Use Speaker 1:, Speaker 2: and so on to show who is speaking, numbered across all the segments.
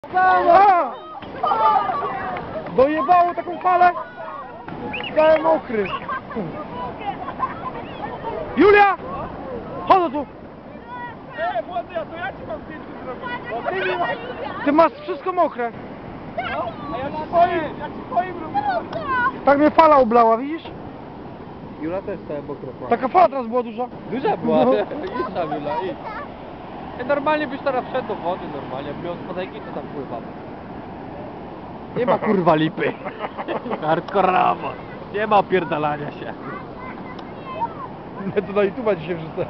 Speaker 1: A! Dojebało taką falę. Cały mokry. Julia! Chodź tu!
Speaker 2: Młody, a to ja ci mam zdjęcie zrobić.
Speaker 1: Ty masz wszystko mokre.
Speaker 2: A ja ci twoim robię.
Speaker 1: Tak mnie fala oblała, widzisz?
Speaker 3: Jula też całe mokro ma.
Speaker 1: Taka fala teraz była duża.
Speaker 3: Duża była,
Speaker 1: No.
Speaker 3: idź tam Jula, idź. Normalnie byś teraz wszedł do wody, normalnie, jak miał spadajki, to tam pływam. Nie ma kurwa lipy. Hardkorowo. Nie ma opierdalania się.
Speaker 1: Ja to na YouTube'a dzisiaj wrzucę.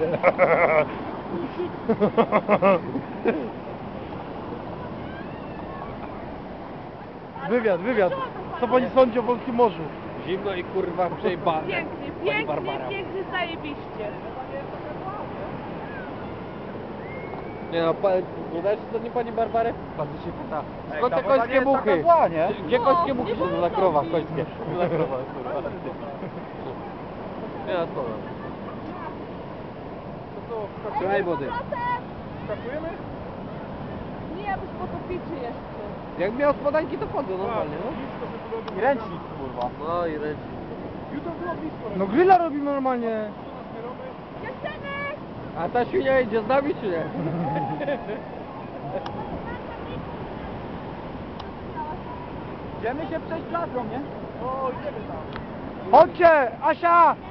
Speaker 1: Wywiad. Co pani sądzi o polskim morzu?
Speaker 3: Zimno i kurwa przejebane.
Speaker 4: Pięknie, pięknie, zajebiście.
Speaker 3: Nie no, nie dasz to nie pani Barbary? Bardzo się pyta. Skąd te
Speaker 1: ta woda nie
Speaker 3: końskie
Speaker 1: jest
Speaker 3: muchy?
Speaker 1: taka zła, nie?
Speaker 3: Gdzie końskie muchy są na krowach końskie? Na krowach, kurwa. Nie na to. Trzymaj wody.
Speaker 2: Skakujemy?
Speaker 4: Nie, byś potopiczy jeszcze.
Speaker 3: Jak miał spodanki to chodzą normalnie, no.
Speaker 1: I ręcznik, kurwa.
Speaker 3: No i ręcznie.
Speaker 2: Jutro było blisko.
Speaker 1: No grilla robimy normalnie.
Speaker 3: A ta świnia idzie z nami czy nie?
Speaker 1: Idziemy się przejść placą, nie?
Speaker 2: O, idziemy tam.
Speaker 1: Chodźcie, Asia!